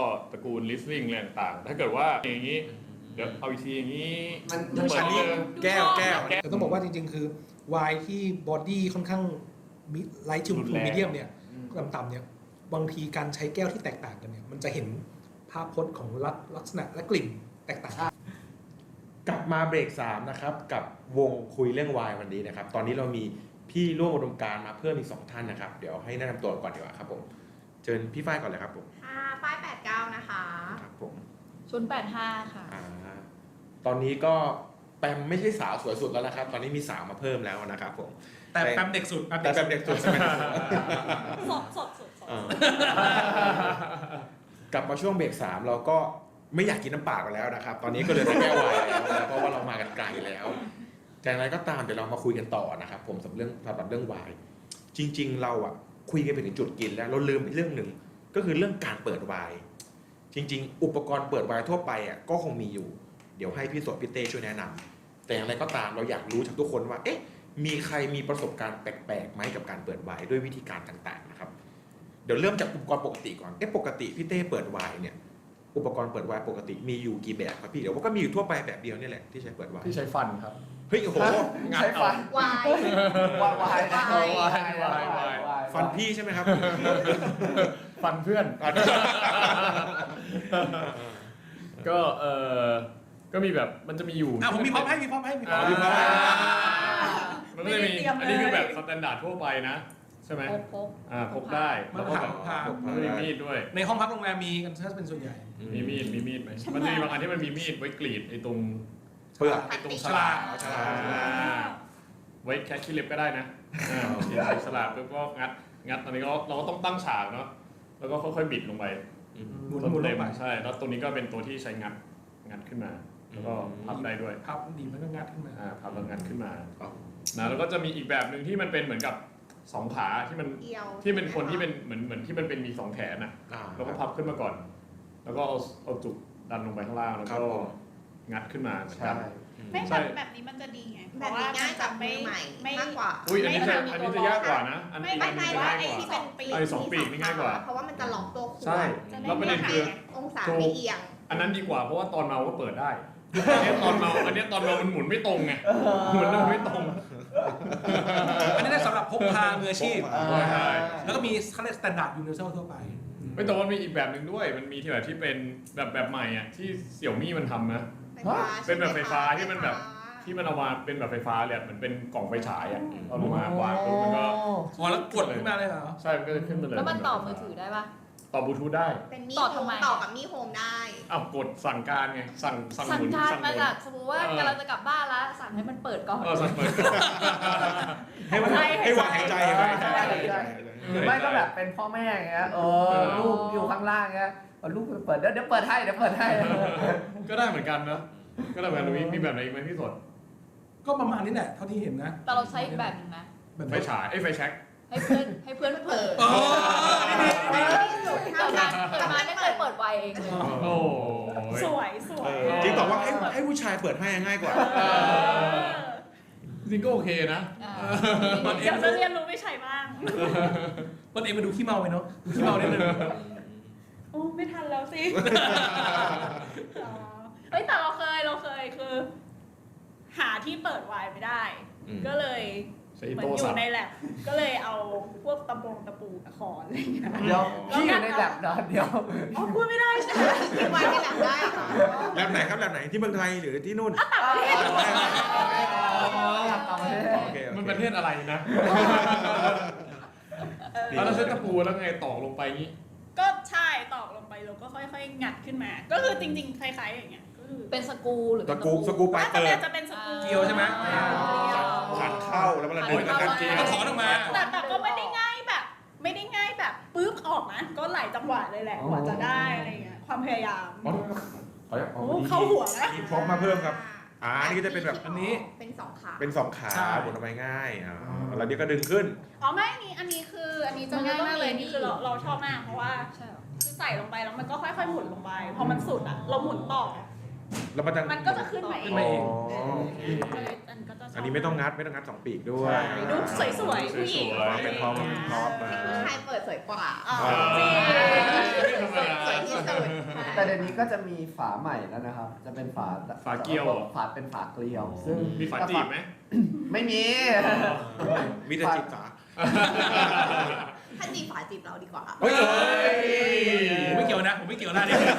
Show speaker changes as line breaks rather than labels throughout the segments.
ตระกูล listening อะไรต่างๆถ้าเกิดว่าอย่างนี้เดี๋ยวเอาอีกทีอย่างนี้
มัน
เหมือนนี้
แก้ว
แต่ต้องบอกว่าจริงๆคือไวน์ที่บอดี้ค่อนข้างไลท์ทูมีเดียมเนี่ยต่ำๆเนี่ยบางทีการใช้แก้วที่แตกต่างกันเนี่ยมันจะเห็นภาพพจน์ของลักษณะและกลิ่นแตกต่าง
กลับมาเบรก3นะครับกับวงคุยเรื่องวายวันนี้นะครับตอนนี้เรามีพี่ร่วมอุดมการณ์มาเพิ่มอีก2ท่านนะครับเดี๋ยวให้แนะนำตัวก่อนดีกว่าครับผมเชิญพี่ฝ้ายก่อนเลยครับผม
ป้าย89นะคะ
ครับผม
085 ค่ะ
ตอนนี้ก็แปมไม่ใช่สาวสวยสุดแล้วนะครับตอนนี้มีสาวมาเพิ่มแล้วนะครับผม
แต่แปมเด็กสุด
แต่แปมเด็กสุดใช่ไหม
สด
กลับมาช่วงเบรก3เราก็ไม่อยากกินน้ำเปล่ากันแล้วนะครับตอนนี้ก็เลยจะแก้ววายแล้วเพราะว่าเรามากันไกลแล้วแต่อะไรก็ตามเดี๋ยวเรามาคุยกันต่อนะครับผมสำหรับเรื่องวายจริงๆเราอ่ะคุยกันไปถึงจุดกินแล้วเราลืมอีกเรื่องหนึ่งก็คือเรื่องการเปิดวายจริงๆอุปกรณ์เปิดวายทั่วไปอ่ะก็คงมีอยู่เดี๋ยวให้พี่สดพี่เต้ช่วยแนะนำแต่อย่างไรก็ตามเราอยากรู้จากทุกคนว่าเอ๊ะมีใครมีประสบการณ์แปลกๆไหมกับการเปิดวายด้วยวิธีการต่างๆนะครับเดี๋ยวเริ่มจากอุปกรณ์ปกติก่อนปกติพี่เต้เปิดวายเนี่ยอุปกรณ์เปิดวายปกติมีอยู่กี่แบบครับพี่เดี๋ยวก็มีอยู่ทั่วไปแบบเดียวนี่แหละที่ใช้เปิดวาย
ที่ใช้ฟันครับ
เฮ้ยโอ้โห
งัด
ใช้
เอา
ฟันวาย
ฟันพี่ใช่ไหมครับ
ฟันเพื่อน ก็ก็มีแบบมันจะมีอยู่
ผมมีพร้อมให้มีพร้อมให้
มันก็จะมีอันนี้คือแบบสแตนดาร์ดทั่วไปนะใช่ไหม
พก
ได้
มัน
แล้วก็
ผ่า
แบบมีมีดด้วย
ในห้องพักโรงแรมมีกันถ้าเป็นส่วนใหญ่
มีมีดไหมมันจะมีบางอันที่มันมีมีดไว้กรีดไอ้ตรง
เปลือก
ไอ้ตรง
ฉ
ฉ
ลา
ลาก กไว้แค่ขี้เล็บก็ได้นะฉลากแล้วก็งัดตอนนี้เราก็ต้องตั้งฉากเนาะแล้วก็ค่อยๆบิดลงไป
หมุน
ต้น
หมุนล
เต็
ง
ม
ไป
ใช่แล้วตรงนี้ก็เป็นตัวที่ใช้งัดขึ้นมาแล้วก็พับได้ด้วย
พับดีมันก็งัดขึ้นมา
พับแล้วงัดขึ้นมานะแล้วก็จะมีอีกแบบหนึ่งที่มันเป็นเหมือนกับสองขาที่มัน
เอียว
ที่เป็นคนที่เป็นเหมือนที่มันเป็นมีสองแขนนะแล้วก็พับขึ้นมาก่อน แล้วก็เอาจุกดันลงไปข้างล่างแล้วก็งัดขึ้นมาเหมือนกัน
ไม่แบบนี้มันจะดีไง
แบบนี้ง่ายกับมือใหม่มากกว่า
อุ้ยอันนี้จะยากกว่านะอันนี้
ไม่ว่าไอ้ที่เป็นปีก
ไอ้สองปีกนี่ง่ายกว่า
เพราะว่ามันจะล็อกตัวขวด
ใช่แล้วประเด็นคือ
องศาไม่เอียง
อันนั้นดีกว่าเพราะว่าตอนเมาก็เปิดได้อันนี้ตอนเมามันหมุนไม่ตรงไงหมุนแล้วไม่ตรง
อันนี้ได้สำหรับพกพามืออาชีพ
ใช่
แล้วก็มีเขาเรียกสแตนดาร์ดยูนิเวอร์แซลทั่วไป
ไม่แต่ว่ามีอีกแบบหนึ่งด้วยมันมีที่แบบที่เป็นแบบใหม่อ่ะที่เสี่ยวมี่มันทำนะ เป็นแบบไฟฟ้าที่มันแบบ ที่มันเอามาเป็นแบบไฟฟ้าเลยเหมือนเป็นกล่องไฟฉายอ่ะเอาลงมาวางปุ๊บมันก็
อ๋อแล้วกดขึ้นมาเลยเหรอ
ใช่มันก็จะขึ้นมาเลย
แล้วมันต่อมือถือได้ปะ
ต่อบลูทูธได้
เป็นมี
ต่อทำไม
ต่อกับมีโฮมได้
อ้าวกดสั่งการไงสั่งห
สั่ง
มุน
การ
สั่งห
มา
มุน
จากสมมติว่ากำลังจะกลับบ้านแล้วสั่งให้มันเปิดก่อน
สั่งเปิด
ให้มันให้วางหายใจ
หรือไม่ก็แบบเป็นพ่อแม่อย่างเงี้ยลูกอยู่ข้างล่างเงี้ยลูกเปิดเดี๋ยวเปิดให้
ก็ได้เหมือนกันนะก็ได้เหมือนกันมีแบบไหนอีกไหมพี่สด
ก็ประมาณนี้แหละเท่าที่เห็นนะ
แต่เราใช้อีกแบบหนึงนะ
ไฟฉายไฟแช็ก
ให้เพื่อนเปิด
อ๋อ
แต่มาไม่เคยเปิดไวเอง
โอ้
สวย
จริงบอกว่าให้ผู้ชายเปิดให้ง่ายกว่า
จริงก็โอเคนะ
เดี๋ยวจะเรียนรู้ไม่ใช่บ้าง
ต้นเองมาดูขี้เมาไปเนาะดูขี้เมานิดนึง
โอ้ไม่ทันแล้วสิเฮ้ยแต่เราเคยคือ หาที่เปิดไวน์ไม่ได้ ก็เลยเหมือนอยู่ในแลบก็เลยเอาพวกตะปูตะขอนอะไรอย่างเงี้ย
เดี๋ยวพี่อยู่ในแลบนอนเดี๋ยว
อ๋อพูดไม่ได้ใช่ไหม
ที่ไว้ในแลบได้อะค่ะ
แลบไหนครับแลบไหนที่เมืองไทยหรือที่นู่น
มันประเทศอะไรนะแล้วเราใช้ตะปูแล้วไงตอกลงไปงี้
ก็ใช่ตอกลงไปแล้วก็ค่อยๆงัดขึ้นมา ก็คือจริงๆคล้ายๆอย่างเงี้ยก็คือ
เป็นสกรูหรือ
สกูไปเปิด
จะเป็นสกรู
เกียวใช่ไหม
ขัดเข้าแล้วมันดึงแล้วกันเกลียว
ก็ถอนออกมา
แต่ก็ไม่ได้ง่ายแบบปึ๊บออกนะก็หลายจังหวะเลยแหละกว่าจะได้อะไรเงี้ยความพยายามโอ้เข้าหัวแล้ว
มีพร้อมมาเพิ่มครับนี่ก็จะเป็นแบบอันนี้
เป็นสองขา
เป็นสองขาหมุนออกไปง่ายแล้วนี่ก็ดึงขึ้น
อ๋อไม่อันนี้จะง่ายมากเลยนี่คือเราชอบมากเพราะว่า
ใช่หรอ
คือใส่ลงไปแล้วมันก็ค่อยๆหมุนลงไปพอมันสุดอ่ะเราหมุนต่อ
แล้วมันจะ
มันก็จะขึ้นมาเอ
ขึ้
ง
นมาเอง
ก็เลยอันก็จะชบ
อันนี้ไม่ต้องงัดสองปีกด้วย
ดูสวยๆผู้หญิง
เป็นพร้อมมา
ผู้ชายเปิดสวยกว่า
อ๋อ
จริง
สวยที่สุด
แต่เดี๋ยวนี้ก็จะมีฝาใหม่แล้วนะครับ จะเป็นฝา
ฝาเกลียวเหรอ
ฝาเป็นฝาเกลียว ซึ่ง
มีฝาจีบไหม
ไม่มี
มีแต่จิตสา
ถ้าจีบฝาจีบเราดีกว่า
เฮ้ย
ผมไม่เกี่ยวนะผมไม่เกี่ยวนะเนี่ย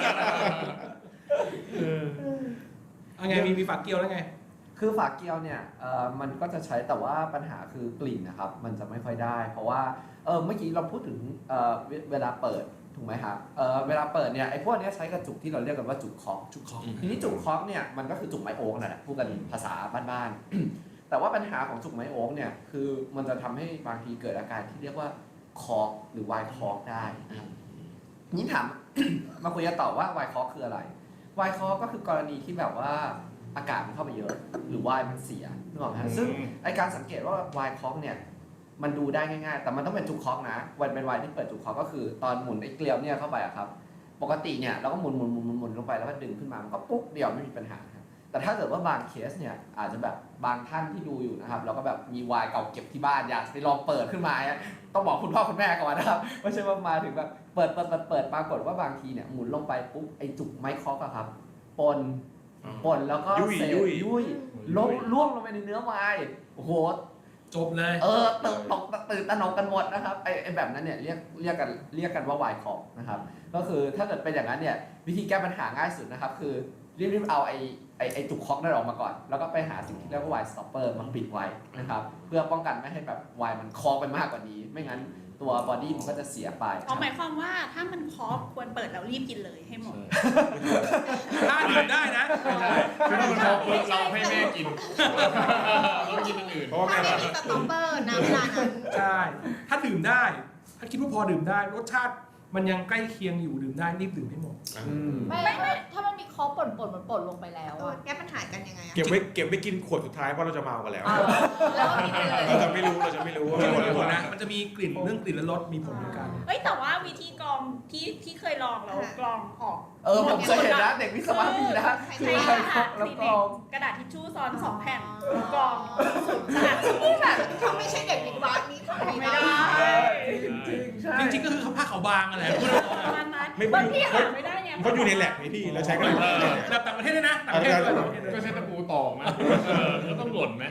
เอาไงมีฝากเกี่ยวแล้วไง
คือฝาเกลียวเนี่ยมันก็จะใช้แต่ว่าปัญหาคือกลิ่นนะครับ มันจะไม่ค่อยได้ เพราะว่าเมื่อกี้เราพูดถึงเวลาเปิดถูกไหมครับเวลาเปิดเนี่ยไอ้พวกเนี้ยใช้กระจุกที่เราเรียกกันว่าจุกเคาะ
จุกคอ
ทีนี้จุกเคาะเนี่ยมันก็คือจุกไม้โอ๊กนั่นแหละพูดกันภาษาบ้านๆ แต่ว่าปัญหาของจุกไม้โอ๊กเนี่ยคือมันจะทำให้บางทีเกิดอาการที่เรียกว่าคอร์กหรือไวน์คอร์กได้นะครับนี้ถาม มาคุยกันต่อว่าไวน์คอร์กคืออะไรไวน์คอร์กก็คือกรณีที่แบบว่าอากาศมันเข้าไปเยอะหรือไวน์มันเสียนึกออกไหมฮะซึ่งไอการสังเกตว่าไวน์คอร์กเนี่ยมันดูได้ง่ายๆแต่มันต้องเป็นจุกคอร์กนะวันเป็นไวน์ที่เปิดจุกคอร์กก็คือตอนหมุนไอเกลียวเนี่ยเข้าไปอะครับปกติเนี่ยเราก็หมุนลงไปแล้วก็ดึงขึ้นมามันก็ปุ๊บเดียวไม่มีปัญหาครับแต่ถ้าเกิดว่าบางเคสเนี่ยอาจจะแบบบางท่านที่ดูอยู่นะครับเราก็แบบมีไวน์เก่าเก็บที่บ้านอยากไปลองเปิดขึ้นมาต้องบอกคุณพ่อคุณแม่ก่อนนะครับไม่ใช่ว่ามาถึงแบบเปิดปรากฏว่าบางทีเนี่ยหมุนลงไปปุ๊บไอจุกไม้คอร์กอะครับปนแล้วก็เศษยุ่ยล่วงลงไปในเนื้อไวน์โอ้โห
จบเลย
ตื่นตระหนกกันหมดนะครับไอแบบนั้นเนี่ยเรียกกันว่าไวน์คอร์กนะครับก็คือถ้าเกิดเป็นอย่างนั้นเนี่ยวิธีแก้ปัญหาง่ายสุดนะครับคือรีบเอาไอจุกคอกนั่นออกมาก่อนแล้วก็ไปหาสิ่งที่เรียกว่าไวน์สต็อปเปอร์มาปิดไว้นะครับเพื่อป้องกันไม่ให้แบบไวน์มันคอกไปมากกว่านี้ไม่งั้นตัวบอดี้มันก็จะเสียไป
หมายความว่าถ้ามันคอฟควรเปิดแล้วรีบกินเลยให้หมด
ถ้าดื่มได้นะ
ไม่ใช่คือถ้ามันพอปุ๊บเราให้แม่กินเรากินอย่างอื่น
เพราะว่า
ถ้า
แม่
ไม่มีสต็อปเปอร์นะเวลานั้น
ใช่ถ้าดื่มได้ ถ้าคิดว่าพอดื่มได้รสชาติมันยังใกล้เคียงอยู่ดื่มได้รีบดื่มให้หมด
ไม่ถ้ามันมีคอป่นมันป่นลงไปแล้วอะ
แก้ปัญหากันยังไงอะ
เก็บไว้กินขวดสุดท้ายเพราะเราจะเมากันแล้ว
แล้วก็กินไปเลย
เราจะไม่รู้ว่า
มี
มัน
ผลนะมันจะมีกลิ่นเรื่องกลิ่นและรสมีผลเหมือนกัน
เอ้ยแต่ว่าวิธีกรองที่เคยลองแล้วกรองออก
ผมเคยเห็นนะเด็กวิศวะมีนะ
ใช้กระดาษ
แล้ว
สี
ก
เด็
ร
ก
อง
กระดาษทิชชู่ซ้อน2 แผ่นกรองกระดาษทิชชู่แบบ
เขาไม่ใช่เด็กวิศวะนี่ทำไม่
ไม่
ได้
ได้
จริงๆก็คือผ้าขาวบางอะไร
ประมาณนั้นบางที่หาไม่ได้เนี่ย
เขาอยู่ในแลบไงพี่เราใช้กัน
แบบต่างประเทศด้วยนะต่างประเทศด้วย
ก็ใช้ตะปูตอกนะก็ต้องหล่นไหม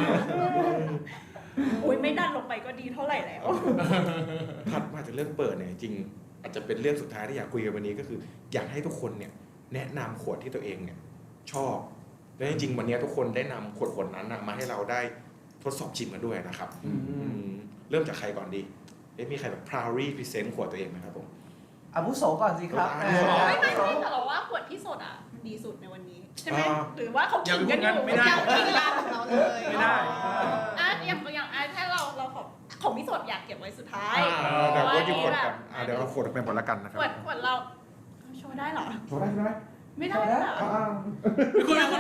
อุ้ยไม่ดันลงไปก็ดีเท่าไหร่แล้ว
ถัดมาจากเรื่องเปิดเนี่ยจริงอาจจะเป็นเรื่องสุดท้ายที่อยากคุยกันวันนี้ก็คืออยากให้ทุกคนเนี่ยแนะนำขวดที่ตัวเองเนี่ยชอบและจริงๆวันนี้ทุกคนได้นำขวดนั้นมาให้เราได้ทดสอบชิมกันด้วยนะครับเริ่มจากใครก่อนดีมีใครแบบ proudly present ขวดตัวเองไหมครับผม
อาวุโสก่อนสิครับ
ไม่แต่เราว่าขวดที่สดอ่ะดีสุดในวันนี้ใช่ไหมหรือว่าเขา
อย่า
ขิง
ไป
กัน
พู
อ
ด
ยู่
งั้นไม่ได้
ยังกินกันของเราเลย
ไม่ได้
อย่างถ้าเราของพี่สดอยากเก็บไว้สุดท้าย
เดี๋ยวก็หยิบขวดกันเดี๋ยวเอาขวดเป็นผลละกันนะครับ
ขวดเราโชว์ได้เหรอ
โชว์ได้ไหม
ไม่ได้เหรอ
ไม่ควร
เดี๋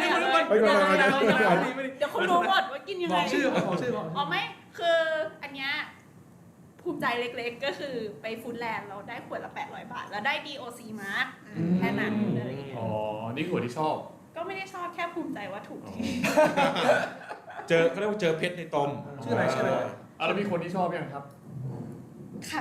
ยวคุณรู้หมดว่ากินยัง
บ
ไง
อกชื่อบอกชื่อ
อ๋อไม่คืออันเนี้ยภูมิใจเล็กๆก็คือไปฟู้ดแลนด์เราได้ขวดละ800 บาท แล้วได้ DOC mark แค่นั้นอะไรอย่างเงี้ย
อ๋อนี่ขวดที่ชอบ
ก็ไม่ได้ชอบแค่ภูมิใจว่าถูกที่
เขาเรียกว่าเจอเพชรในตม
ชื่ออะไรชื่ออะไร
แล้วมีคนที่ชอบยังครับ
ค่ะ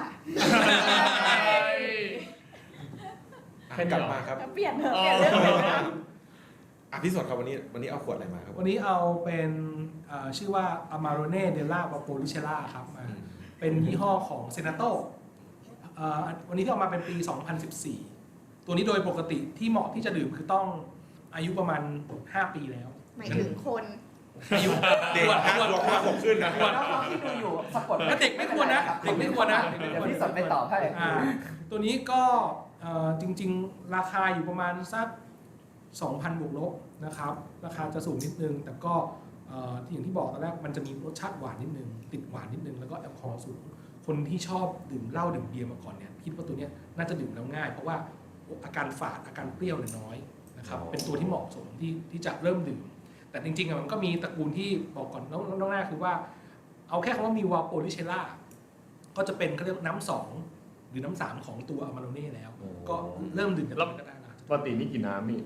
กลับมาครับ
เปลี่ยนเถอะเปลี่ยนเรื่องเลยนะ
พี่สดครับวันนี้เอาขวดอะไรมาครับ
วันนี้เอาเป็นชื่อว่า Amarone della Valpolicella ครับเป็นยี่ห้อของ Senato วันนี้ที่ออกมาเป็นปี 2014 ตัวนี้โดยปกติที่เหมาะที่จะดื่มคือต้องอายุประมาณ 5 ปีแล้ว
หมายถึงคน
อายุ
เด็ก5 ขวบขึ้นนะ
น้องๆที่ดูอยู่สะกด
เด็กไม่ควรนะเด็กไม่ควรนะ
เดี๋ยวพี่สดไปตอบให้
ตัวนี้ก็จริงๆราคาอยู่ประมาณสัก 2,000 บวกลบนะครับราคาจะสูงนิดนึงแต่ก็อย่างที่บอกตอนแรกมันจะมีรสชาติหวานนิดนึงติดหวานนิดนึงแล้วก็แอลกอฮอล์สูงคนที่ชอบดื่มเหล้าดื่มเบียร์มาก่อนเนี่ยคิดว่าตัวนี้น่าจะดื่มแล้วง่ายเพราะว่าอาการฝาดอาการเปรี้ยวเนี่ยน้อยนะครับเป็นตัวที่เหมาะสมที่จะเริ่มดื่มแต่จริงๆมันก็มีตระกูลที่บอกก่อนน้องแรกคือว่าเอาแค่คำว่ามีวาโปลิเชล่าก็จะเป็นเขาเรียกน้ำ2หรือน้ำ3ของตัวอามาโรเน่แล้วก็เริ่มดื่มกันก็ได้นะ
ปกตินี่กี่น้ำนี่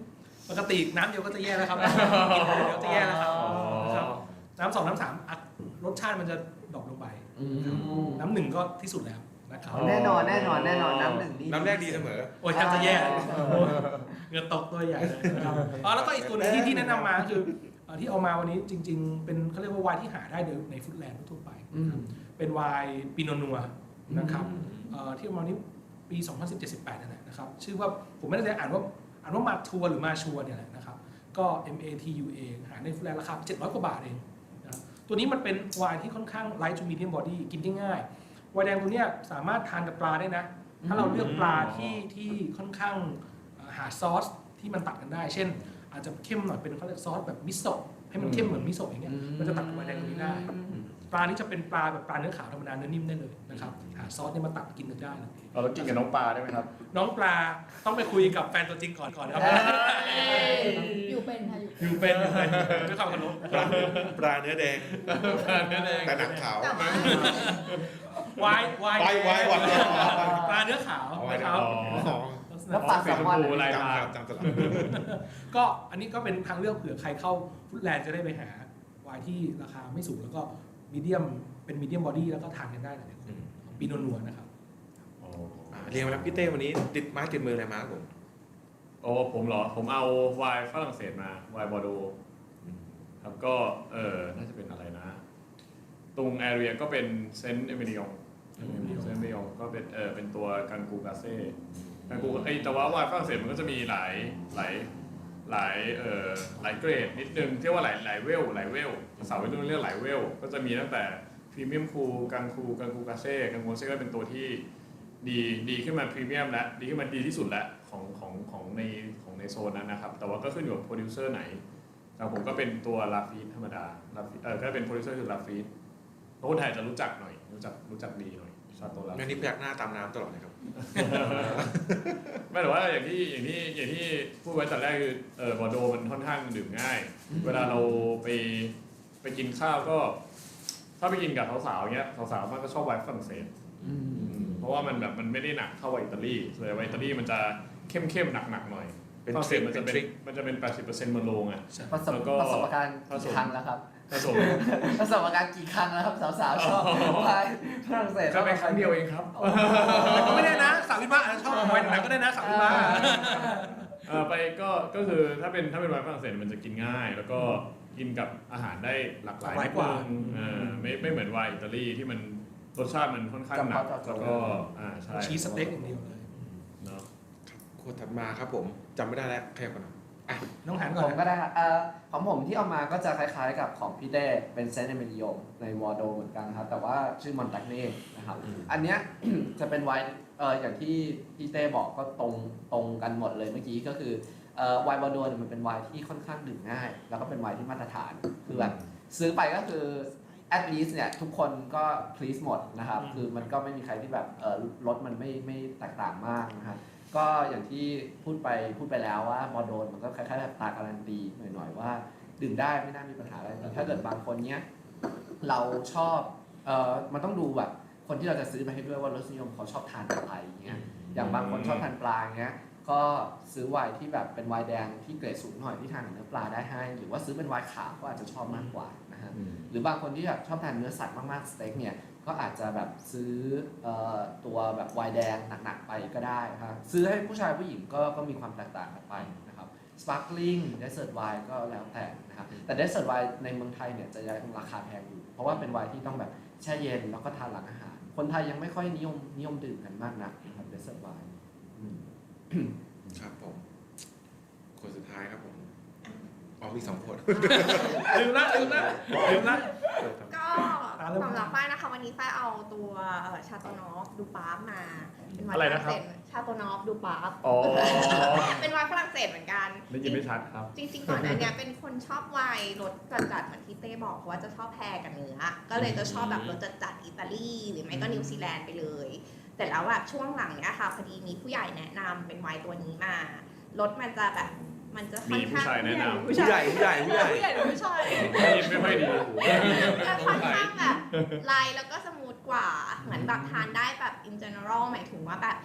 ปกติน้ำเดียวก็จะแย่แล้วครับกินเดียวจะแย่แล้วครับนะครับน้ำ2น้ำ3อ่ะรสชาติมันจะดรอปลงไปน้ำ1ก็ที่สุดแล้วนะครับ
แน่นอนน้ำหนึ่งนี่
น้ำแรกดีเสมอ
โอ้ยแทบจะแย่เงินตกตัวใหญ่เลยนะครับแล้วก็อีกตัวนึงที่แนะนำมาคือที่เอามาวันนี้จริงๆเป็นเขาเรียกว่าไวน์ที่หาได้ในฟู้ดแลนด์ทั่วไปนะครับเป็นไวน์ปิโนนัวนะครับที่เอามานี้ปี 2017-18 นั่นแหละนะครับชื่อว่าผมไม่แน่ใจอ่านว่ามาทัวร์หรือมาชัวร์เนี่ยแหละนะครับก็ MATUA หาในฟู้ดแลนด์ราคา700 กว่าบาทเองนะตัวนี้มันเป็นไวน์ที่ค่อนข้าง light to medium body กินได้ง่ายไวน์แดงตัวเนี้ยสามารถทานกับปลาได้นะถ้าเราเลือกปลาที่ค่อนข้างหาซอสที่มันตัดกันได้เช่นอาจจะเข้มหน่อยเป็นเขาเรียกซอสแบบมิโซะให้มันเข้มเหมือนมิโซะอย่างเงี้ยมันจะตัดกับไวน์แดงตัวนี้ได้ปลานี้จะเป็นปลาแบบปลาเนื้อขาวธรรมดาเนื้อนิ่มได้เลยนะครับหาซอสเนี่ยมาตัดกินกันได้เลย
เรากินกับน้องปลาได้ไหมครับ
น้องปลาต้องไปคุยกับแฟนตัวจริงก่อนครับ
อยู่เป็นค่ะอยู่
อยู่เป็นด้วยความเคารพ
ปลาเนื้อแดง แต่หนังขาว
แต่ว่า
วาย
ไว้วัน
ปลาเนื้อขาวนะครับ
แล้วปลาแซลมอน
ลาย
จำ
มา
จำสลับ
ก็อันนี้ก็เป็นทางเลือกเผื่อใครเข้าฟุตแลนด์จะได้ไปหาวายที่ราคาไม่สูงแล้วก็มีเดียมเป็นมีเดียมบอดี้แล้วก็ทานกันได้หลายคนปีโนนัวนะครับ
เรียนมาแล้วพี่เต้วันนี้ติดไม้ติดมืออะไรมาครับผม
โอ้ผมเหรอ ผมเอาไวน์ฝรั่งเศสมาไวน์บอร์โดครับก็น่าจะเป็นอะไรนะ ตรงแอเรียก็เป็นเซนต์เอเมริองก็เป็นตัวกันกูกาเซ่กันกูแต่ว่าไวน์ฝรั่งเศสมันก็จะมีหลายเกรดนิดนึงที่ว่าหลายเวลสาววัยรุ่นเรียกหลายเวลก็จะมีตั้งแต่พรีเมียมคูกันกูกาเซ่ก็เป็นตัวที่ดีขึ้นมาพรีเมียมและดีขึ้นมาดีที่สุดแล้วของในโซนนั้นนะครับแต่ว่าก็ขึ้นอยู่กับโปรดิวเซอร์ไหนแต่ผมก็เป็นตัวลาฟีธรรมดาก็เป็นโปรดิวเซอร์คือลาฟีธคนไทยจะรู้จักหน่อยรู้จักดีหน่อยชาโตลาฟีธ
งานนี้พยักหน้าตามน้ำตลอดเลยครับ
ไม่แต่ว่าอย่างที่พูดไว้แต่แรกคือบอร์โดมันค่อนข้างดื่มง่าย เวลาเราไปกินข้าวก็ถ้าไปกินกับสาวๆเงี้ยสาวๆมันก็ชอบไวน์ฝรั่งเศสเพราะว่ามันแบบมันไม่ได้หนักเท่าไวน์อิตาลีส่วนไวน์อิตาลีมันจะเข้มหนักๆหน่อยฝรั่งเศสมันจะเป็น 80% มันโลงอ่ะ
ประสบการณ์กี่ครั้งแล้วครับ ประสบการณ์กี่ครั้งแล้วครับสาวๆชอบไวน์ฝรั่งเศส
ก็ไปครั้งเดียวเองครับ
แต่ก็ไม่ได้นะสาววิทย์มาชอบไวน์หนักก็ได้นะสาววิทย์มา
ไปก็คือถ้าเป็นไวน์ฝรั่งเศสมันจะกินง่าย แล้วก็กินกับอาหารได้หลากหลายกว่าไม่เหมือนไวน์อิตาลีที่มันรสชาติมันค่อนข้างหนักแล้วก็ใช่
ชีสสเต็กอย่างเดียวเลย
เนาะ
โคตรถัดมาครับผมจำไม่ได้แล้วใครก่อนนะ
น้องหันก่
ผ
อน
มก็ได้ครับของผมที่เอามาก็จะคล้ายๆกับของพี่เต้เป็นเซนต์เอเมริโอในวอร์โดเหมือนกันครับแต่ว่าชื่อมอนตักเน่นะครับอันเนี้ย จะเป็นไวน์อย่างที่พี่เต้บอกก็ตรงกันหมดเลยเมื่อกี้ก็คือไวน์วอร์โดเนี่ยมันเป็นไวน์ที่ค่อนข้างดื่มง่าย แล้วก็เป็นไวน์ที่มาตรฐานคือแบบซื้อไปก็คือ at least เนี่ยทุกคนก็ please หมดนะครับคือมันก็ไม่มีใครที่แบบรสมันไม่แตกต่างมากนะครับก็อย่างที่พูดไปแล้วว่าบอร์โดมันก็คล้ายๆแบบตาการันตีหน่อยๆว่าดื่มได้ไม่น่ามีปัญหาอะไรแต่ถ้าเกิดบางคนเนี้ยเราชอบมันต้องดูแบบคนที่เราจะซื้อไปให้ด้วยว่ารสนิยมเขาชอบทานอะไรอย่างเงี้ยอย่างบางคนชอบทานปลาเงี้ยก็ซื้อไวน์ที่แบบเป็นไวน์แดงที่เกรดสูงหน่อยที่ทานกับเนื้อปลาได้ให้หรือว่าซื้อเป็นไวน์ขาวก็อาจจะชอบมากกว่านะฮะหรือบางคนที่แบบชอบทานเนื้อสัตว์มากๆสเต็กเนี่ยก็อาจจะแบบซื้อตัวแบบไวน์แดงหนักๆไปก็ได้ครับซื้อให้ผู้ชายผู้หญิงก็มีความแตกต่างกันไปนะครับสปาร์คลิงเดสเซอร์ทไวน์ก็แล้วแต่นะครับแต่เดสเซอร์ทไวน์ในเมืองไทยเนี่ยจะยังราคาแพงอยู่เพราะว่าเป็นไวน์ที่ต้องแบบแช่เย็นแล้วก็ทานหลังอาหารคนไทยยังไม่ค่อยนิยมดื่มกันมากนักนะครับเดสเซอร์ทไวน์
ครับผมคนสุดท้ายครับผมมี2 คน
ลืมละ
ก็สำหรับป้ายนะคะวันนี้ป้ายเอาตัวชาโตนอฟดูปาร์ฟมาเป็นไวน์ฝรั่งเศสชาโตนอฟดูปาร์ฟเป็นไวน์ฝรั่งเศสเหมือนกัน
ได้ยินไม่ชัดครับ
จริงๆก่อนหน้านี้เป็นคนชอบไวน์รสจัดๆเหมือนที่เต้บอกเพราะว่าจะชอบแพรกับเนื้อก็เลยจะชอบแบบรสจัดๆอิตาลีหรือไม่ก็นิวซีแลนด์ไปเลยแต่แล้วแบบช่วงหลังเนี้ยค่ะพอดีมีผู้ใหญ่แนะนำเป็นไวน์ตัวนี้มารสมันจะแบบมันจะค่อนข้าง
มีผู้ชายแนะนำ
ผู้ใหญ่
ผู้ใหญ่หรือผู้ชาย
ได้ยินไม่ค่อยดี
จะค่อนข้างแบบไลท์แล้วก็สมูทกว่าเหมือนแบบทานได้แบบ in general หมายถึงว่าแบบ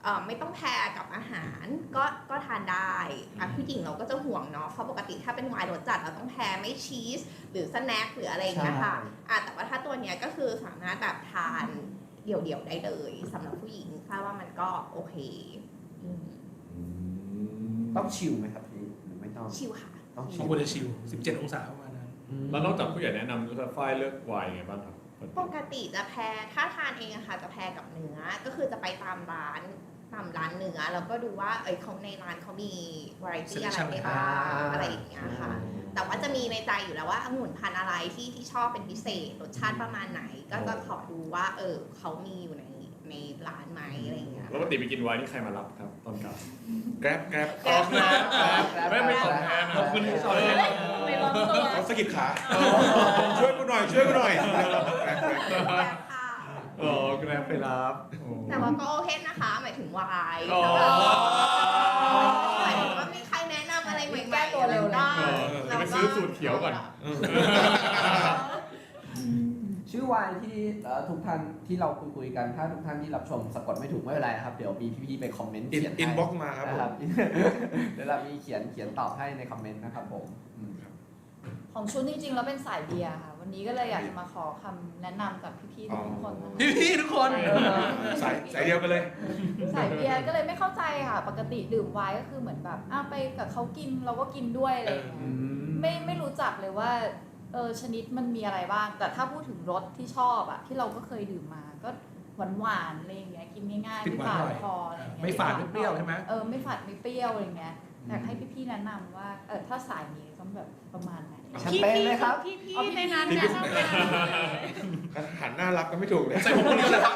ไม่ต้องแพรกับอาหารก็ทานได้ผู้หญิงเราก็จะห่วงเนาะเพราะปกติถ้าเป็นไวน์รสจัดเราต้องแพรไม่ชีสหรือสแน็คหรืออะไรอย่างเงี้ยค่ะแต่ว่าถ้าตัวเนี้ยก็คือสามารถแบบทานเดี่ยวๆได้เลยสำหรับผู้หญิงถ้าว่ามันก็โอเค
ต้องชิลไหมครับพี่หรือไม่ต้อง
ชิลค่ะ
ต้องชิ
บาง
ล
คนจะชิล17 องศาประมาณนั้น
แล้วนอกจากผู้ใหญ่แนะนำแล้วฝ้ายเลือกไวน์ยังไงบ้างครับ
ปกติจะแพรถ้าทานเองอะค่ะจะแพรกับเนื้อก็คือจะไปตามร้านเนื้อแล้วก็ดูว่าเขาในร้านเขามีวาไรตี้อะไรได้บ้างอะไรอย่างเงี้ยค่ะแต่ว่าจะมีในใจอยู่แล้วว่าองุ่นพันธุ์อะไรที่ชอบเป็นพิเศษรสชาติประมาณไหนก็จะขอดูว่าเขามีอยู่ในร้านไหมอะไรอย่างเงี้ย
แล้วปกติไปกินไวน์นี่ใครมารับครับตอนกลับ
แกร็บ
ไม่ตอบแทน
ขอบคุณที่สอน
ไม่ร้อนตัว
เขาสะกิดขาช่วยกูหน่อยแกร็บ
อ๋อแกร็บไปรับ
แต่ว่าก็โอเคนะคะหมายถึงวาย
อ๋อ
หมายถึงว่ามีใครแนะนำอะไรใหม่ๆ
แก้ตัวเร็วเลย
จะไปซื้อสูตรเขียวก่อน
ชื่อวายที่ทุกท่านที่เราคุยกันถ้าทุกท่านที่รับชมสะกดไม่ถูกไม่เป็นไรนะครับเดี๋ยวมีพี่ๆไปคอมเมนต์เขียนให้
อินบ็อกซ์มาครับผม
นะครับ เดี๋ยวเรามีเขียนตอบให้ในคอมเมนต์นะครับผม
ของชุดจริงๆแล้วเป็นสายเบียร์ค่ะ วันนี้ก็เลยอยากจะมาขอคำแนะนำจากพี่ๆทุกคนนะคะ
พี่ๆทุกคน
สายเดียวกันเลย
สายเบียร์ก็เลยไม่เข้าใจค่ะ ปกติดื่มไวน์ก็คือเหมือนแบบไปกับเขากินเราก็กินด้วยอะไรอย่างเงี้ยไม่รู้จักเลยว่าชนิดมันมีอะไรบ้าง แต่ถ้าพูดถึงรสที่ชอบอะที่เราก็เคยดื่มมาก็หวานๆอะไรอย่างเงี้ยกินง่ายๆ
ติด
ไม่
หวาน
ฝา
หน่
ด
อย
คออะไรอย่างเงี้ย
ไม่ฝาดไม่เปรี้ยวใช่ไหม
ไม่ฝาดไม่เปรี้ยวอะไรเงี้ยอยากให้พี่ๆแนะนำว่าถ้าสายนี้ต้องแบบประมาณไหน
แชมเปญเลยครับ
พี่ในนั้นเนี่ย
หันหน้ารับก็ไม่ถูกเลย
ใส่ผมคนเดียวเลยครับ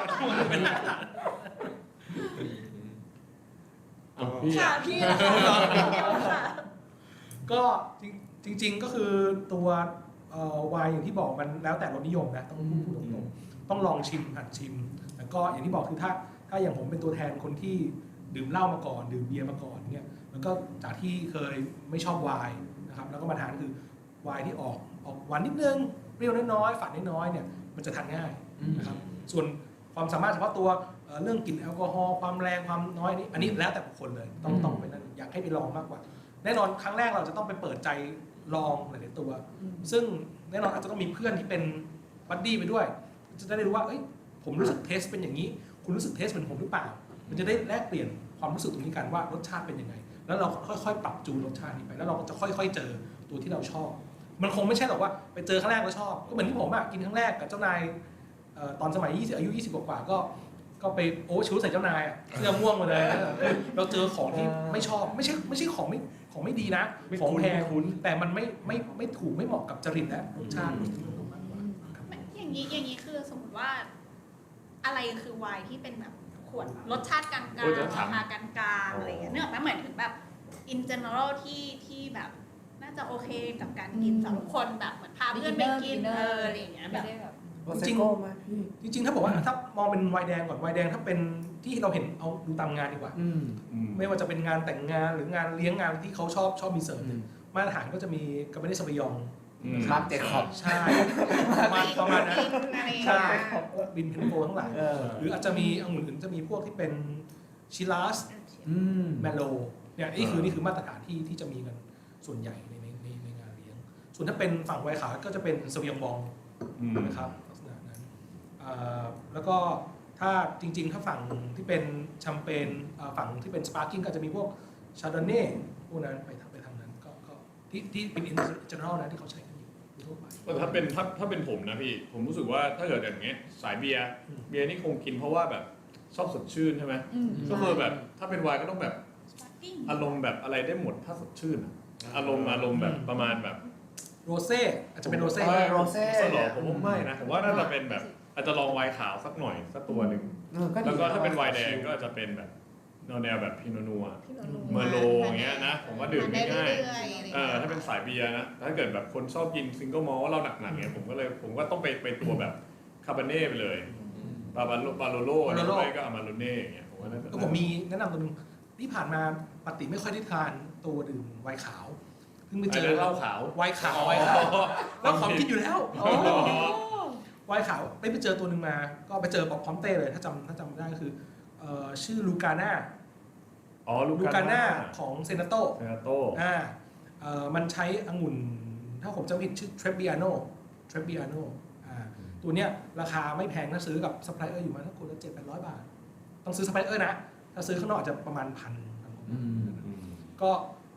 ค่ะพี่นะคะค่ะ
ก็จริงๆก็คือตัวไวน์อย่างที่บอกมันแล้วแต่รสนิยมนะต้องพูดตรงๆต้องลองชิมหัดชิมแล้วก็อย่างที่บอกคือถ้าอย่างผมเป็นตัวแทนคนที่ดื่มเหล้ามาก่อนดื่มเบียร์มาก่อนเนี่ยแล้วก็จากที่เคยไม่ชอบไวน์นะครับแล้วก็มาทานคือไวน์ที่ออกหวานนิดนึงเปรี้ยวน้อยๆฝาดน้อยๆเนี่ยมันจะทานง่ายนะครับส่วนความสามารถเฉพาะตัวเรื่องกลิ่นแอลกอฮอล์ความแรงความน้อยอันนี้แล้วแต่บุคคลเลยต้องไปนั่นอยากให้ไปลองมากกว่าแน่นอนครั้งแรกเราจะต้องไปเปิดใจลองหลายๆตัวซึ่งแน่นอนอาจจะต้องมีเพื่อนที่เป็นบัดดี้ไปด้วยจะได้รู้ว่าผมรู้สึกเทสเป็นอย่างนี้คุณรู้สึกเทสเป็นผมหรือเปล่ามันจะได้แลกเปลี่ยนความรู้สึกตรงนี้กันว่ารสชาติเป็นยังไงแล้วเราค่อยๆปรับจูนรสชาตินี้ไปแล้วเราก็จะค่อยๆเจอตัวที่เราชอบมันคงไม่ใช่หรอกว่าไปเจอครั้งแรกแล้วชอบก็เหมือนที่ผมกินครั้งแรกกับเจ้านายตอนสมัยอายุ20กว่าก็ไปชูใส่เจ้านายเสื้อม่วงมาเลยเราเจอของที่ไม่ชอบไม่ใช่ของไม่ดีนะของแพงแต่มันไม่ถูกไม่เหมาะกับจริตและรสชาติมากกว่า
อย่างนี้คือสมมติว่าอะไรคือไวน์ที่เป็นแบบขวดรสชาติกลางๆราคากลางๆอะไรอย่างเงี้ยเนื่องจากเหมือนถึงแบบ in general ที่แบบน่าจะโอเคกับการกินสำหรับคนแบบเหมือนพาเพื่อนไปกินอะไรอย่างเงี้ยแบบ
จริงๆถ้าบอกว่าถ้ามองเป็นไวน์แดงก่อนไวน์แดงถ้าเป็นที่เราเห็นเอาดูตามงานดีกว่าไม่ว่าจะเป็นงานแต่งงานหรืองานเลี้ยงงานที่เขาชอบมีเสิร์ฟมาตรฐานก็จะมีกาเบเนซาบยอง
มาร์คเจคอบ
ใช่ประมาณนั้นใช่บินเพนโฟทั้งหลาย หรืออาจจะมีองุ่นอื่นจะมีพวกที่เป็นชิลาสแมโลเนี่ยนี่คือมาตรฐานที่จะมีกันส่วนใหญ่ในงานเลี้ยงส่วนถ้าเป็นฝั่งไวน์ขาวก็จะเป็นซาบยองบองนะครับลักษณะนั้นแล้วก็ถ้าจริงๆถ้าฝั่งที่เป็นแชมเปญฝั่งที่เป็นสปาร์กิ้งก็จะมีพวกชาร์ดอนเน่พวกนั้นไปทางนั้นก็ที่เป็นอินเจเนอรัลนะที่เขาใช้กันอยู่ทั่วไป
ถ้าเป็นผมนะพี่ผมรู้สึกว่าถ้าเกิดอย่างเงี้ยสายเบียร์นี่คงกินเพราะว่าแบบชอบสดชื่นใช่ไหมก็คือแบบถ้าเป็นไวน์ก็ต้องแบบอารมณ์แบบอะไรได้หมดถ้าสดชื่นอารมณ์แบบประมาณแบบ
โรเซ่อาจจะเป็นโรเซ่
โรเซ่
สลอผมว่าไม่นะผมว่าน่าจะเป็นแบบอาจจะลองไวน์ขาวสักหน่อยสักตัวหนึ่งแล้วก็ถ้าเป็นไวน์แดงก็อาจจะเป็นแบบแนวแบบพิโนนัวเมอร์โลอย่างเงี้ยนะผมว่าดื่มง่ายๆถ้าเป็นสายเบียร์นะถ้าเกิดแบบคนชอบกินซิงเกิลมอลต์เราหนักๆเงี้ยผมก็ต้องไปตัวแบบคาบาเน่ไปเลยบาโลโล่หรือไม่ก็อามาโรเน่อย่างเงี้ยผมว่าน่าจะ
ก็ผมมีแนะนำตัวนึงที่ผ่านมาปกติไม่ค่อยได้ทานตัวดื่มไวน์ขาวเพิ่งไปเจอ
เหล้าขาว
ไวน์ขาวแล้วของกินอยู่แล้วไวน์ขาวไปเจอตัวหนึ่งมาก็ไปเจอบอกพร้อมเต้เลยถ้าจำได้ก็คือชื่อลูกาน่า
อ๋อลู
ลู
กาก
าน่า
น่า
ของเซนาโต
เซนาโต
มันใช้องุ่นถ้าผมจำไม่ผิดชื่อเทรปบิอาโนตัวเนี้ยราคาไม่แพงถ้าซื้อกับซัพพลายเออร์อยู่มาถ้าคนละ700-800 บาท ต้องซื้อซัพพลายเออร์นะถ้าซื้อข้างนอกอาจจะประมาณพันก็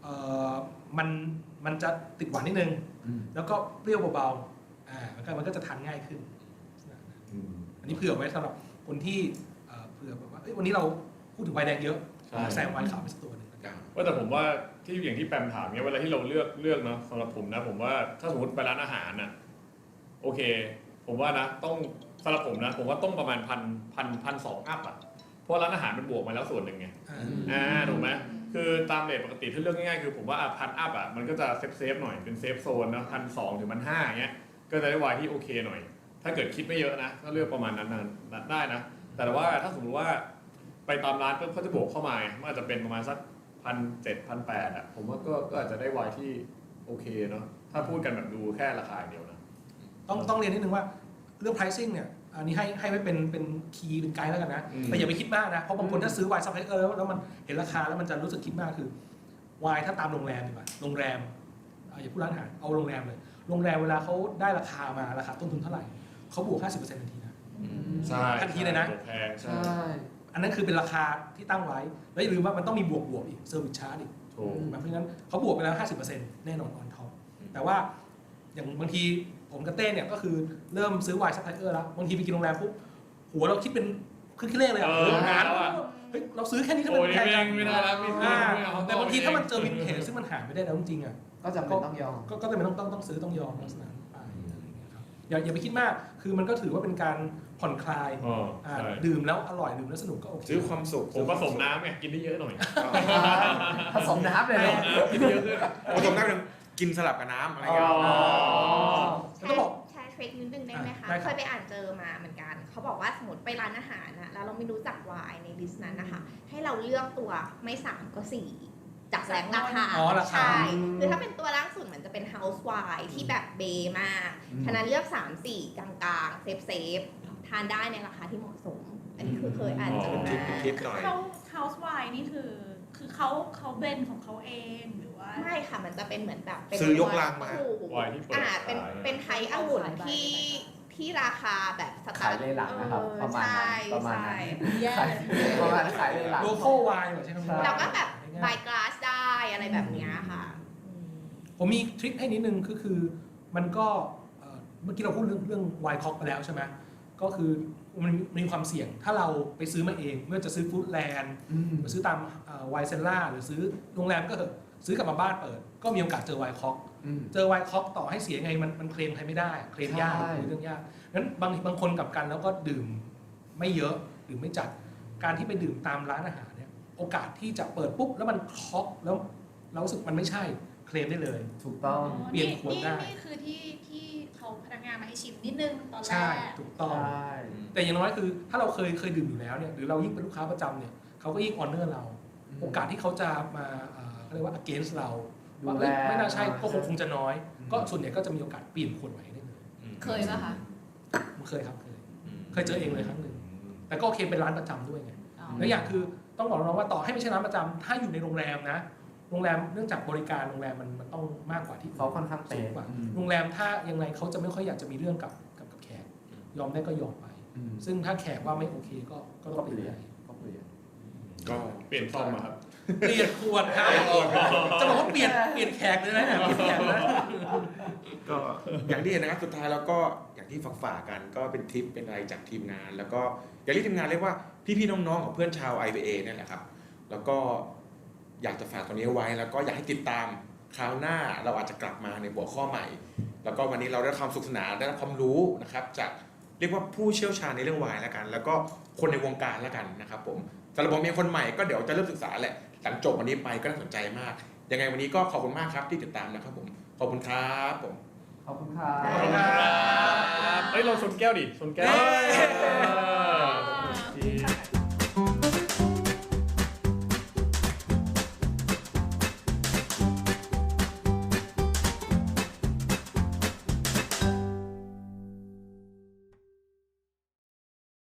มันจะติดหวานนิดนึงแล้วก็เปรี้ยวเบาๆมันก็จะทานง่ายขึ้นอันนี้เผื่อไว้สำหรับคนที่เผื่อแบบว่าวันนี้เราพูดถึงไวน์แดงเยอะแซงไวน์ขาวไปสักตัวหนึ่ง
ว่าแต่ผมว่าที่อย่างที่แปมถามเนี่ยเวลาที่เราเลือกเนาะสำหรับผมนะผมว่าถ้าสมมติไปร้านอาหารน่ะโอเค ผมว่านะต้องสำหรับผมนะผมว่าต้องประมาณ1,200 อัพอ่ะเพราะร้านอาหารมันบวกมาแล้วส่วนหนึ่งไงถูกไหมคือตามเรทปกติถ้าเลือกง่ายๆคือผมว่า1,000 อัพอ่ะมันก็จะเซฟหน่อยเป็นเซฟโซนนะ1,200 ถึง 1,500เงี้ยก็จะได้วายที่โอเคหน่อยถ้าเกิดคิดไม่เยอะนะก็เลือกประมาณนั้นได้นะแต่ว่าถ้าสมมติว่าไปตามร้านก็เขาจะบวกเข้ามามันอาจจะเป็นประมาณสัก1,700-1,800อ่ะผมว่าก็อาจจะได้วายที่โอเคเนาะถ้าพูดกันแบบดูแค่ราคาอย่างเดียวนะ
ต้องเรียนนิดนึงว่าเรื่อง pricing เนี่ยอันนี้ให้ไว้เป็นคีย์เป็นไกด์แล้วกันนะแต่อย่าไปคิดมากนะเพราะบางคนถ้าซื้อไวน์ซัพพลายเออร์แล้วมันเห็นราคาแล้วมันจะรู้สึกคิดมากคือไวน์ถ้าตามโรงแรมดีกว่าโรงแรมอย่าพูดร้านอาหารเอาโรงแรมเลยโรงแรมเวลาเขาได้ราคามาราคาต้นทุนเท่าไหร่เขาบวก 50% ทันทีนะ
ใช่
ทันทีเลยนะ
แพงใช่
อันนั้นคือเป็นราคาที่ตั้งไว้แล้วอย่าลืมว่ามันต้องมีบวกอีกเซอร์วิสชาร์จอีก
ถูก
เพราะฉะนั้นเขาบวกไปแล้ว 50% แน่นอนออนท็อปแต่ว่าอย่างบางทีผมกับเต้เนี่ยก็คือเริ่มซื้อไวน์ซัพพลายเออร์แล้วบางทีไปกินโรงแรมปุ๊บหัวเราคิดเป็นเครื่องคิดเลขเลยอ่ะโอ้โหหารเฮ้ยเราซื้อแค่นี้ทำไม
โอ้ย
แพงจัง
ไม่ได้แล้วไม่เอา
แต่บางทีถ้ามันเจอวินเทจซึ่งมันหาไม่ได้แล้วจริงๆอ่ะ
ก็จำเป็นต้องยอม
ก็จำเป็นต้องซื้อต้องยอมลักษณะนั้นไปอะไรอย่างเงี้ยครับอย่าไปคิดมากคือมันก็ถือว่าเป็นการผ่อนคลาย
ใช่
ดื่มแล้วอร่อยดื่มแล้วสนุกก็โอเค
ซื้อความสุข
ผมผสมน้ำไงกินได้เยอะหน่อย
ผสมน้ำเลยเหรอ
กินได้เยอะขึ้น
ผสมได้เป็นกินสลับกับน้ำอะไรเงี้ย
แล้วก็บอก
แชร์เทรคนิดนึงได้ไหมคะ
ได้ครับ
เคยไปอ่านเจอมาเหมือนกัน เขาบอกว่าสมมติไปร้านอาหารนะแล้วเราไม่รู้จักไวน์ในลิสต์นั้นนะคะ ให้เราเลือกตัวไม่3ก็4จากแรงราคา
อ๋อราคา
ใช่คือถ้าเป็นตัวล่างสุดมันจะเป็น house wine ที่แบบเบมาก ฉะนั้นเลือก 3-4 กลางๆ เซฟทานได้ในราคาที่เหมาะสม อันนี้คือเคยอ่านเจอ
ทิป
มา
ทิปหน่อย
House Wine นี่คือเขาเบนของเขาเองหรือว่า
ไม่ค่ะ มันจะเป็นเหมือนแบบเป็น
ซื้อยกลังมา
ถูก
ไวน์ที่เปิด
เป็นไทยองุ่นที่ราคาแบบสตา
ขายเลยหลังนะครับประมาณนั้นประมาณนั้น
แย่
ขายประมาณนั้นขายเลยหลัง
โลโก้ไวน์ใช่ไหม
แล้วก็แบบบายกลาสได้อะไรแบบเนี้ยค่ะ
ผมมีทริคให้นิดนึงคือมันก็เมื่อกี้เราพูดเรื่องไวน์ค็อกไปแล้วใช่ไหมก็คือมันมีความเสี่ยงถ้าเราไปซื้อมาเองเมื่อจะซื้อฟู้ดแลนด์ไปซื้อตามไวน์เซลล่าหรือซื้อโรงแรมก็เถอะซื้อกลับมาบ้านเปิด ก็มีโอกาสเจอไวน์ค็อกเจอไวน์ค็อกต่อให้เสียไงมันเคลมใครไม่ได้เคลมยากคุยเรื่องยากงั้นบางคนกลับกันแล้วก็ดื่มไม่เยอะดื่มไม่จัดการที่ไปดื่มตามร้านอาหารเนี่ยโอกาสที่จะเปิดปุ๊บแล้วมันค็อกแล้วเรารู้สึกมันไม่ใช่เคลมได้เลย
ถูกต้อง
เปลี่ยนขวดได้
นี่คือที่เขาพนักงานมาให้ชิมนิดนึงตอนแร
ใช่
ก
ถูกต้อง แต่อย่างน้อยคือถ้าเราเคยดื่มอยู่แล้วเนี่ยหรือเรายิ่งเป็นลูกค้าประจำเนี่ยเขาก็ยิ่งออนเนอร์เรา โอกาสที่เขาจะมาเขาเรียกว่า against เราว่าเอ้ยไม่น่าใช่ก็คงจะน้อย ก็ส่วนใหญ่ก็จะมีโอกาสเปลี่ยนขวดใหม่ได้เลย
เคยป่ะคะ
ผมเคยครับเคยเจอเองเลยครั้งหนึ่งแต่ก็โอเคเป็นร้านประจำด้วยไง
อ๋อ
แล้วอย่างคือต้องบอกน้องว่าต่อให้ไม่ใช่ร้านประจำถ้าอยู่ในโรงแรมนะโรงแรมเนื่องจากบริการโรงแรมมันต้องมากกว่าที่
เขาค่อนข้าง
สู
เป๊ะ
งกว่าโรงแรมถ้ายังไงเขาจะไม่ค่อยอยากจะมีเรื่องกับแขกยอมได้ก็ยอมไป ซึ่งถ้าแขกว่าไม่โอเคก็ต้องเปลี่ยนให้
ก็เปลี่ยน
ก็
เปลี่ยนซ่อมมาครับ
เปลี่ยนขวดครับจะบอกว่าเปลี่ยนแขกเลยนะเนี่ยเปลี่ยนแขกนะ
ก็อย่างที่เห็นนะครับสุดท้ายแล้วก็อย่างที่ฝากกันก็เป็นทิปเป็นอะไรจากทีมงาน แล้วก็อย่างที่ทีมงานเรียกว่าพี่ๆน้องๆของเพื่อนชาว IBA เนี่ยแหละครับแล้วก็อยากจะฝากตัวนี้ไว้แล้วก็อยากให้ติดตามคราวหน้าเราอาจจะกลับมาในหัวข้อใหม่ แล้วก็วันนี้เราได้ความสุขสนานได้ความรู้นะครับจากเรียกว่าผู้เชี่ยวชาญในเรื่องไวน์แล้วกัน แล้วก็คนในวงการแล้วกันนะครับผมสำหรับผมเองคนใหม่ก็เดี๋ยวจะเริ่มศึกษาแหละหลังจบวันนี้ไปก็น่าสนใจมากยังไงวันนี้ก็ขอบคุณมากครับที่ติดตามนะครับผมขอบคุณครับผม
ขอบคุณครับ
ขอบคุณครับเฮ้ยเราชนแก้วดิชนแก้ว
เย้
ดี